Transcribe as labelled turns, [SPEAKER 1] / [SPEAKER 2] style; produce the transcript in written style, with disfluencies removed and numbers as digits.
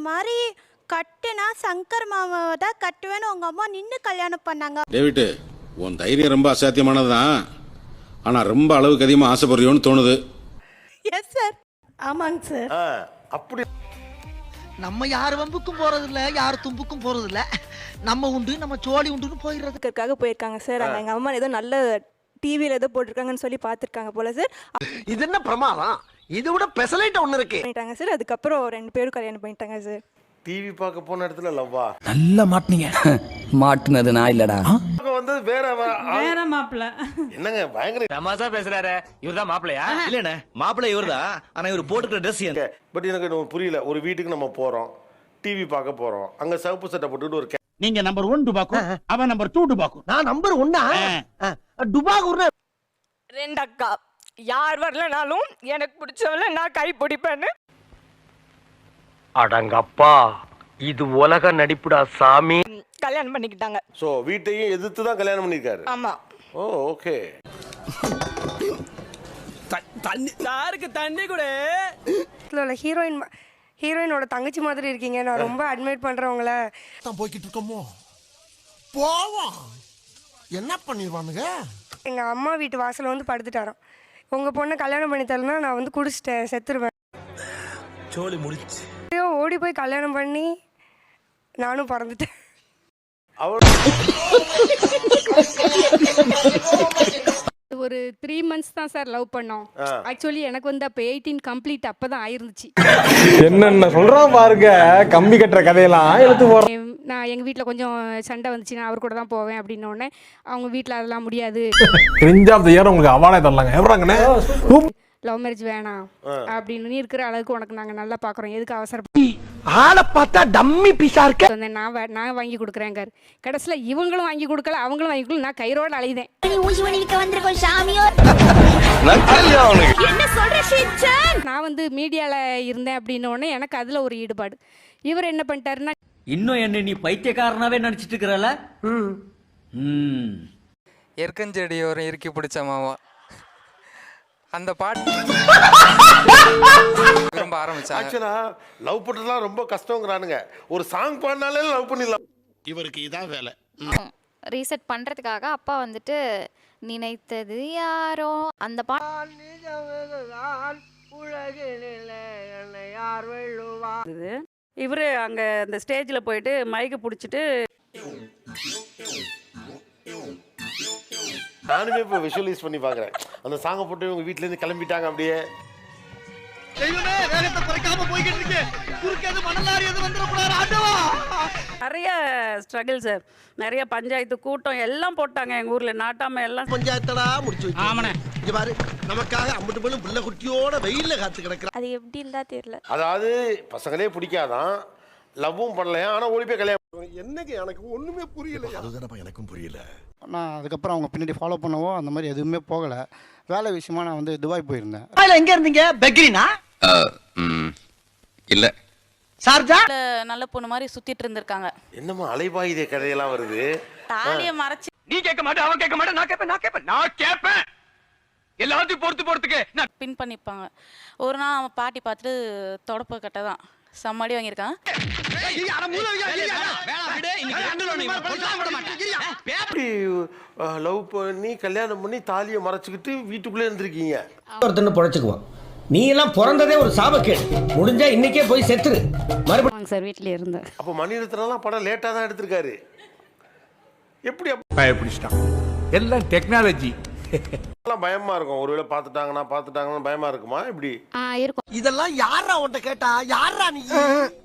[SPEAKER 1] மாதிரி கட்டுனா சங்கர் மாமாவை தான் கட்டுவேன்னு உங்க அம்மா நின்று கல்யாணம் பண்ணாங்க.
[SPEAKER 2] டேவிட், உன் தைரியம் ரொம்ப அசாத்தியமானதுதான். ஆனா ரொம்ப அளவுக்கு அதிகமா ஆசைப்படுறியோன்னு தோணுது.
[SPEAKER 1] Yes sir. ஆமாங்க சார்.
[SPEAKER 3] அப்படி
[SPEAKER 4] நம்ம யார் வம்புக்கும் போறது இல்ல, யார் தும்புக்கும் போறது இல்ல. நம்ம உண்டு நம்ம சோழி உண்டுன்னு
[SPEAKER 5] போயிடுறதுக்காக போயிருக்காங்க சார். அங்க எங்க அம்மா ஏதோ நல்ல டிவில ஏதோ போட்டிருக்காங்கன்னு சொல்லி பாத்துருக்காங்க போல சார்.
[SPEAKER 3] இது என்ன பிரமாதம்? இது விட பெசலைட் ஒண்ணு இருக்கு
[SPEAKER 5] பண்ணிட்டாங்க சார். அதுக்கப்புறம் 2 பேரும் கல்யாணம் பண்ணிட்டாங்க சார்.
[SPEAKER 3] டிவி பார்க்க போன இடத்துல லவ்வா
[SPEAKER 6] நல்லா மாட்டுனீங்க. மாட்டுனது நான் இல்லடா.
[SPEAKER 3] வந்து வேற
[SPEAKER 7] மாப்பிள்ள
[SPEAKER 3] என்னங்க பயங்கர
[SPEAKER 8] தமாசா பேசுறாரு. இவர்தான் மாப்பிள்ளையா? இல்லண்ணே, மாப்பிள்ளை இவர்தான். ஆனா இவர் போட்டுக்கிற ட்ரெஸ்
[SPEAKER 3] பட் எனக்கு புரியல. ஒரு வீட்டுக்கு நம்ம போறோம், டிவி பார்க்க போறோம், அங்க சிவப்பு சட்டை போட்டுட்டு ஒரு
[SPEAKER 8] நீங்க நம்பர் 1 டுபாக்கு, அவன் நம்பர் 2 டுபாக்கு.
[SPEAKER 4] நான் நம்பர் 1 டுபாகூர்.
[SPEAKER 5] 2 அக்கா யார் வரலனாலும் எனக்கு பிடிச்சவள நான் கை பிடிப்பேன்னு.
[SPEAKER 9] அடங்கப்பா, இது உலக நடிப்புடா சாமி.
[SPEAKER 5] கல்யாணம் பண்ணிக்கிட்டாங்க.
[SPEAKER 3] சோ வீட்டையும் எதிர்த்து தான் கல்யாணம் பண்ணிருக்காரு.
[SPEAKER 5] ஆமா.
[SPEAKER 3] Oh okay.
[SPEAKER 6] தண்ணி யாருக்கு தண்ணி கூட?
[SPEAKER 7] ஹீரோயினோட தங்கச்சி மாதிரி இருக்கீங்க. நான் ரொம்ப அட்மைட் பண்றவங்கள
[SPEAKER 4] தான் போய்கிட்டு இருக்கோமோ. போவோம். என்ன பண்ணிடுவானுங்க?
[SPEAKER 7] எங்க அம்மா வீட்டு வாசல்ல வந்து படுத்துட்டாராம். உங்க பொண்ணை கல்யாணம் பண்ணி தரலன்னா நான் வந்து குடிச்சிட்டேன், செத்துருவேன்.
[SPEAKER 6] சோலி முடிச்சு
[SPEAKER 7] ஓடி போய் கல்யாணம் பண்ணி நானும் பறந்துட்டேன்.
[SPEAKER 5] ஒரு 3 months தான் சார் லவ் பண்ணோம். ஆக்சுவலி எனக்கு வந்து அப்ப 18 கம்ப்ளீட் அப்பதான் ஆயிருந்துச்சு.
[SPEAKER 10] என்னென்ன சொல்றான் பாருங்க, கம்பி கட்டுற கதையெல்லாம் எடுத்து போறோம்.
[SPEAKER 5] நான் எங்க வீட்ல கொஞ்சம் சண்டை வந்துச்சு, நான் அவர் கூட தான் போவேன் அப்படின்னு உடனே அவங்க வீட்ல அதெல்லாம் முடியாது,
[SPEAKER 10] கிரிஞ்ச் ஆஃப் தி இயர் உங்களுக்கு அவார்டே தரலாங்க. எப்பறாங்கண்ணே
[SPEAKER 5] லவ் மேரேஜ் வேணாம் அப்படின்னு, நீ இருக்கிற அளவுக்கு உனக்கு நாங்க நல்லா பாக்குறோம், எதுக்கு அவசரம்?
[SPEAKER 4] ஆளை பார்த்தா டம்மி பீஸா இருக்க.
[SPEAKER 5] நான் வாங்கி கொடுக்குறேங்க. கடைசியில இவங்களும் வாங்கி கொடுக்கல, அவங்களும் வாங்கி கொடுக்கல. நான் கைரோட அலைதேன். நான் வந்து மீடியால இருந்தேன் அப்படின்னு உடனே எனக்கு அதுல ஒரு ஈடுபாடு. இவர் என்ன பண்ணிட்டாருன்னா,
[SPEAKER 6] இன்னும் என்ன நீ பைத்தியக்காரனாவே நினைச்சிட்டு இருக்கறல?
[SPEAKER 11] எற்கஞ்செடி ஒரு இறுக்கி பிடிச்ச மாமா அந்த பாட்டு ரொம்ப ஆரம்பிச்சாங்க.
[SPEAKER 3] ஆக்சுவலா லவ் பண்றதுலாம் ரொம்ப கஷ்டம்ங்கறானுங்க. ஒரு சாங் பாடினாலே லவ் பண்ணிடலாம். இவருக்கு இதான் வேலை.
[SPEAKER 1] ரீசெட் பண்றதுக்காக அப்பா வந்துட்டு நினைத்தது யாரோ அந்த பாட்டு
[SPEAKER 7] இவரு அங்க அந்த ஸ்டேஜ்ல போயிட்டு மைக்க புடிச்சிட்டு
[SPEAKER 3] நானுமே இப்போ விஷுவலைஸ் பண்ணி பார்க்குறேன். அந்த சாங்கை போட்டு உங்கள் வீட்டிலேருந்து கிளம்பிட்டாங்க அப்படியே.
[SPEAKER 7] நிறைய ஸ்ட்ரகிள் சார், நிறைய பஞ்சாயத்து கூட்டம் எல்லாம் போட்டாங்க எங்க ஊர்ல. நாட்டாம எல்லாம்
[SPEAKER 4] பஞ்சாயத்தடா முடிச்சு வச்சு. ஆமாண்ணே, இங்க பாரு, நமக்காக அம்பட்டு போலும் பிள்ளை குட்டியோட வெயில்ல காத்து கிடக்குற.
[SPEAKER 1] அது எப்படி இருந்தா தெரியல.
[SPEAKER 3] அதாவது பசங்களே பிடிக்காதான், லவ்வும் பண்ணலையா, ஆனால் ஓடி போய் கல்யாணம். என்னங்க எனக்கு ஒன்றுமே புரியல.
[SPEAKER 4] அதுதானப்பா எனக்கும் புரியல.
[SPEAKER 10] நான் அதுக்கப்புறம் அவங்க பின்னாடி ஃபாலோ பண்ணவோ அந்த மாதிரி எதுவுமே போகலை. வேலை விஷயமா நான் வந்து துபாய் போயிருந்தேன்.
[SPEAKER 4] எங்க இருந்தீங்க? பெக்ரினா
[SPEAKER 9] இல்ல
[SPEAKER 4] சார்ஜா?
[SPEAKER 5] நல்ல பொண்ணு மாதிரி சுத்திட்டு இருந்திருக்காங்க.
[SPEAKER 3] என்னம்மா அலைபாயுதே கதையெல்லாம் வருது.
[SPEAKER 5] தாலிய மறைச்சு
[SPEAKER 8] நீ கேட்க மாட்டே, அவன் கேட்க மாட்டே, நான் கேட்பேன். எல்லாத்தையும் பொறுத்துக்கு
[SPEAKER 5] பின் பண்ணிப்பாங்க. ஒரு நாள் அவன் பாட்டி பார்த்துட்டு தொடப்ப கட்டை தான் சம்மாடி வாங்கியிருக்கான்.
[SPEAKER 3] எப்படி லவ் பண்ணி கல்யாணம் பண்ணி தாலியை மறைச்சிக்கிட்டு வீட்டுக்குள்ளே இருந்திருக்கீங்க?
[SPEAKER 6] ஒருத்தன்னு பொழைச்சுக்குவான். நீ எல்லாம் பிறந்ததே ஒரு சாபக்கேடு. முடிஞ்சா இன்னைக்கே போய் செத்துரு. மறுபடியும்
[SPEAKER 5] சார் வீட்டில் இருந்தேன்.
[SPEAKER 3] அப்போ மணிரத்னம்லாம் படம் லேட்டாக தான் எடுத்திருக்காரு. எப்படி
[SPEAKER 10] பயப்பிடிச்சிட்டான். எல்லாம் டெக்னாலஜி.
[SPEAKER 3] பயமா இருக்கும். ஒருவேளை பார்த்துட்டாங்கன்னா பயமா இருக்குமா? இப்படி
[SPEAKER 5] இருக்கும்.
[SPEAKER 4] இதெல்லாம் யாரா உன்கிட்ட கேட்டா? யாரா நீ?